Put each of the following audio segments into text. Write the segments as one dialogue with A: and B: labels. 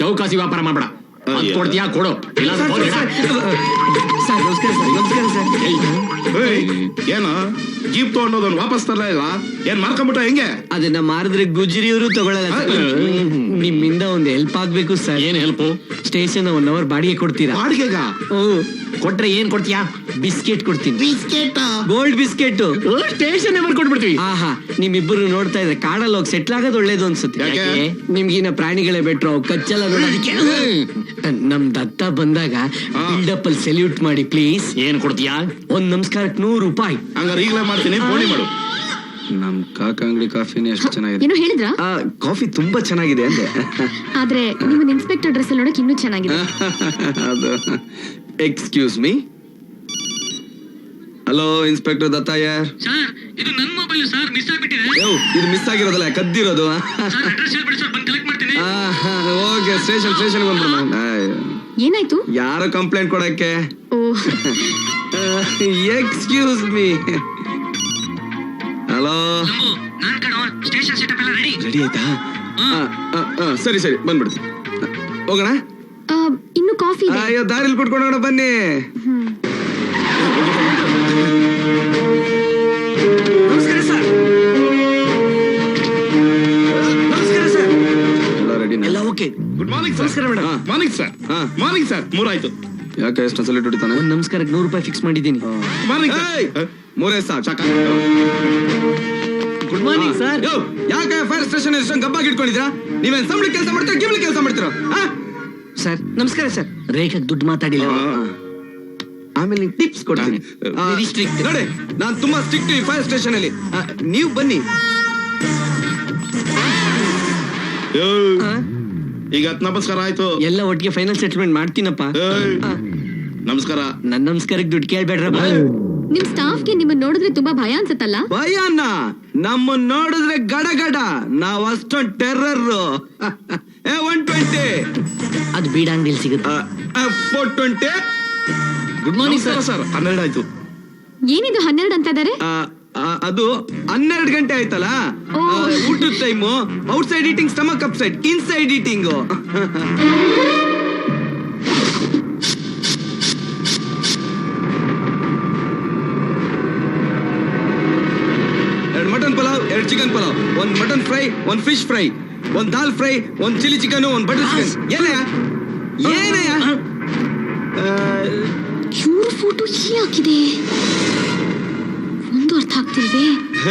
A: ಚೌಕಾಸಿ ವ್ಯಾಪಾರ ಮಾಡ್ಬೇಡ. ಕೊಡ್ತೀಯಾ ಕೊಡು, ಇಲ್ಲ
B: ಏನ ಜೀಪ್ ತಗೊಂಡೋದನ್ ವಾಪಸ್ ತರಲ ಇಲ್ಲ, ಏನ್ ಮಾರ್ಕೊಂಬಿಟ್ಟ ಹೆಂಗೆ?
C: ಅದನ್ನ ಮಾರಿದ್ರೆ ಗುಜ್ರಿಯವರು ತಗೊಳಲ್ಲ. ನಿಮ್ಮಿಂದ ಒಂದು ಹೆಲ್ಪ್ ಆಗ್ಬೇಕು ಸರ್.
A: ಏನ್ ಹೆಲ್ಪ್?
C: ಸ್ಟೇಷನ್ 1 hour ಬಾಡಿಗೆ ಕೊಡ್ತೀರಾ?
B: ಬಾಡಿಗೆಗ
A: ಕೊಟ್ರೆ ಏನ್ ಕೊಡ್ತೀಯಾ?
C: ಬಿಸ್ಕೆಟ್ ಕೊಡ್ತೀನಿ.
B: ಬಿಸ್ಕೆಟ್?
C: Gold biscuit.
A: ಸ್ಟೇಷನ್ ಕೊಟ್ಬಿಡ್ತೀವಿ.
C: ಆಹಾ, ನಿಮ್ಮಿಬ್ಬರು ನೋಡ್ತಾ ಇದ್ರೆ ಕಾಡಲ್ಲಿ ಹೋಗಿ ಸೆಟ್ಲ್ ಆಗೋದು ಒಳ್ಳೇದು ಅನ್ಸುತ್ತೆ. ನಿಮ್ಗಿನ ಪ್ರಾಣಿಗಳೇ ಬೆಟ್ರು, ಕಚ್ಚಲ್ಲ ನೋಡೋದಕ್ಕೆ. ನಮ್ ದತ್ತ ಬಂದಾಗ ಬಿಲ್ಡಪ್ ಅಲ್ಲಿ ಸೆಲ್ಯೂಟ್ ಮಾಡಿ ಪ್ಲೀಸ್.
A: ಏನ್ ಕೊಡ್ತೀಯಾ?
C: ಒಂದ್ ನಮಸ್ಕಾರಕ್ಕೆ 100 ರೂಪಾಯಿ.
B: ಹಂಗಾರೆ ಈಗಲೇ ಮಾಡ್ತೀನಿ, ಫೋನ್ ಮಾಡು.
D: ನಮ್ ಕಾಕ ಅಂಗಡಿ ಕಾಫಿನೇ ಎಷ್ಟು ಚೆನ್ನಾಗಿದೆ.
E: ಏನೋ ಹೇಳಿದ್ರಾ?
D: ಕಾಫಿ ತುಂಬಾ ಚೆನ್ನಾಗಿದೆ ಅಂದೆ.
E: ಆದ್ರೆ ನಿಮ್ಮ ಇನ್ಸ್ಪೆಕ್ಟರ್ ಡ್ರೆಸ್ ನೋಡಕ್ ಇನ್ನೂ ಚೆನ್ನಾಗಿದೆ.
D: ಅದು ಎಕ್ಸ್ಕ್ಯೂಸ್ ಮೀ. ಹಲೋ ಇನ್ಸ್ಪೆಕ್ಟರ್ ದತ್ತಾಯರ್.
C: ಸರ್, ಇದು ನನ್ನ ಮೊಬೈಲ್ ಸರ್, ಮಿಸ್ ಆಗ್ಬಿಟ್ಟಿದೆ.
D: ಇದು ಮಿಸ್ ಆಗಿರೋದಲ್ಲ, ಕದ್ದಿರೋದು.
C: ಸರ್, ಅಡ್ರೆಸ್ ಹೇಳ್ಬಿಡಿ ಸರ್, ಬಂದು ಕಲೆಕ್ಟ್ ಮಾಡ್ತೀನಿ.
D: ಓಕೆ, ಸ್ಟೇಷನ್ ಬಂದ್ಬಿಡೋಣ.
E: ಏನಾಯ್ತು?
D: ಯಾರು ಕಂಪ್ಲೇಂಟ್ ಕೊಡಕ್ಕೆ?
E: ಓ,
D: ಎಕ್ಸ್ಕ್ಯೂಸ್ ಮೀ. ಹಲೋ,
C: ನಾನ್ ಕಣೋ, ಸ್ಟೇಷನ್ ಸೆಟಪ್ ಎಲ್ಲ ರೆಡಿ.
D: ರೆಡಿ ಆಯ್ತಾ? ಸರಿ ಬಂದ್ಬಿಡ್ತೀನಿ. ಹೋಗೋಣ.
E: ಇನ್ನು ಕಾಫಿ ಇದೆ.
D: ಅಯ್ಯೋ, ದಾರಿಲಿ ಕುಟ್ಕೊಂಡೋಣ ಬನ್ನಿ.
C: ನಮಸ್ಕಾರ ಸರ್.
D: ಎಲ್ಲ ರೆಡಿ?
C: ಎಲ್ಲ ಓಕೆ.
B: Good morning sir.
C: ನಮಸ್ಕಾರ madam.
B: Morning sir. Morning sir. 3 ಆಯ್ತು.
D: ಯಾಕೆ ಎಷ್ಟು ಸಲ ಹೊಡಿತಾನೆ?
C: ಒಂದ್ ನಮಸ್ಕಾರಕ್ಕೆ 100 ರೂಪಾಯಿ ಫಿಕ್ಸ್ ಮಾಡಿದ್ದೀನಿ.
B: ಮಾರ್ನಿಂಗ್
D: ಏಯ್! 3 ಸಾಕು.
C: Good morning sir.
D: ಯಾಕೆ ಫೈರ್ ಸ್ಟೇಷನ್ ಎಷ್ಟೊಂದು ಗಬ್ಬಾಗಿ ಇಟ್ಕೊಂಡಿದ್ರಾ? ನೀವೇನ್ ಸಂಬಳ ಕೆಲಸ ಮಾಡ್ತೀರಾ, ಗಿಬ್ಲಿ ಕೆಲಸ ಮಾಡ್ತೀರಾ?
C: ಸರ್ ನಮಸ್ಕಾರ ಸರ್. ರೇಖಾಗ್ ದುಡ್ಡು ಮಾತಾಡಿಲ್ಲ.
D: ಆಮೇಲೆ ನಿಂಗೆ ಟಿಪ್ಸ್ ಕೊಡ್ತೀನಿ.
C: Very strict.
D: ನೋಡಿ, ನಾನು ತುಂಬಾ ಸ್ಟ್ರಿಕ್ಟ್ ಈ ಫೈರ್ ಸ್ಟೇಷನ್ ಅಲ್ಲಿ. ನೀವು ಬನ್ನಿ.
B: ಈಗ ನಮಸ್ಕಾರ ಆಯ್ತು.
C: ಎಲ್ಲ ಒಟ್ಟಿಗೆ ಫೈನಲ್ ಸೆಟಲ್ಮೆಂಟ್ ಮಾಡ್ತೀನಪ್ಪ.
B: ನಮಸ್ಕಾರ.
C: ನನ್ನ ನಮಸ್ಕಾರಕ್ಕೆ ದುಡ್ಡು ಕೇಳ್ಬೇಡ್ರಪ್ಪ.
E: ನಿಮ್ ಸ್ಟಾಫ್ಗೆ ನಿಮ್ಮನ್ನ ನೋಡಿದ್ರೆ ತುಂಬಾ ಭಯ ಅನ್ಸತ್ತಲ್ಲ?
D: ಭಯನ? ನಮ್ಮನ್ನ ನೋಡಿದ್ರೆ ಗಡಗಡ, ನಾವ್ ಅಷ್ಟೊಂದು ಟೆರ್ರರ್. 120.
C: ಅದು ಬೀಡ ಅಂಗಡಿಲಿ ಸಿಗುತ್ತೆ.
D: 420.
C: Good morning sir.
B: ಸರ್ 12 ಆಯ್ತು.
E: ಏನಿದು 12 ಅಂತ ಇದಾರೆ?
D: ಅದು 12 ಗಂಟೆ ಆಯ್ತಲ್ಲ. ಊಟದ time. Outside eating, stomach upside, inside eating. Mutton pulao, 2 chicken pulao, 1 mutton fry, 1 fish fry, 1 dal fry, 1 chilli chicken, 1 butter chicken. ಏನಯ್ಯ?
E: ಇವ್ರ ಫೋಟೋ ಹಾಕಿದೆ, ಒಂದು ಅರ್ಥ ಆಗ್ತಿಲ್ವೇ?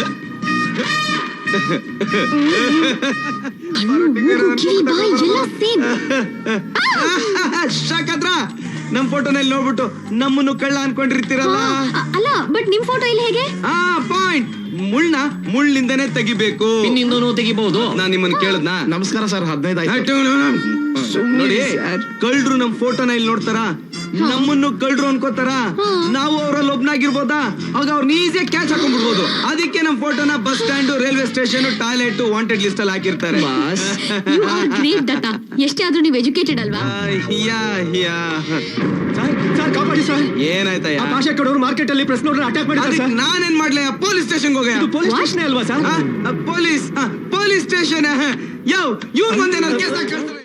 D: ಶಾಕದ್ರ ನಮ್ ಫೋಟೋನಲ್ಲಿ ನೋಡ್ಬಿಟ್ಟು ನಮ್ಮನ್ನು ಕಳ್ಳ ಅನ್ಕೊಂಡಿರ್ತೀರಲ್ಲ.
E: ಅಲ್ಲ, ಬಟ್ ನಿಮ್ ಫೋಟೋ ಇಲ್ಲಿ ಹೇಗೆ?
D: ಪಾಯಿಂಟ್. ಮುಳ್ಳಿಂದನೇ ತೆಗಿಬೇಕು.
A: ಇನ್ನಿಂದನೂ ತೆಗಿಬಹುದು.
D: ನಾನ್ ನಿಮ್ಮನ್ನ ಕೇಳದ್ನಾ?
B: ನಮಸ್ಕಾರ ಸರ್. 15 ಆಯ್ತು.
D: ನೋಡಿ, ಕಳ್ರು ನಮ್ ಫೋಟೋನ ಇಲ್ಲಿ ನೋಡ್ತಾರ, ನಮ್ಮನ್ನು ಕಳ್ರು ಅನ್ಕೋತಾರ. ನಾವು ಅವರಲ್ಲಿ ಒಬ್ನಾಗಿರ್ಬೋದಾ? ಆಗ ಅವ್ರನ್ನ ಈಸಿಯಾಗಿ ಕ್ಯಾಚ್ ಹಾಕೊಂಡ್ಬಿಡ್ಬೋದು. ಅದಕ್ಕೆ ನಮ್ ಫೋಟೋನ bus stand, railway station, toilet, wanted list ಅಲ್ಲಿ ಹಾಕಿರ್ತಾರೆ.
E: You are great, ದತ್ತ. ಎಷ್ಟೇ ಆದ್ರೂ ನೀವು ಎಜುಕೇಟೆಡ್ ಅಲ್ವಾ?
C: ಸರ್ ಕಾಪಾಡಿ ಸರ್.
D: ಏನಾಯ್ತಯ್ಯ?
C: ಭಾಷೆ ಕಡೋರು ಮಾರ್ಕೆಟ್ ಅಲ್ಲಿ ಪ್ರೆಸ್ ನೋಡ್ರೆ ಅಟ್ಯಾಕ್ ಮಾಡಿದ್ದಾರೆ ಸರ್.
D: ನಾನೇನ್ ಮಾಡ್ಲೇ? ಪೊಲೀಸ್ ಸ್ಟೇಷನ್ ಹೋಗ.
C: ಪೊಲೀಸ್ ಸ್ಟೇಷನ್ ಅಲ್ವಾ ಸರ್?
D: Police station. ಇವ್ರ ಮುಂದೆ ನಾನು ಕೇಸ್ ಹಾಕ್ತಾರೆ.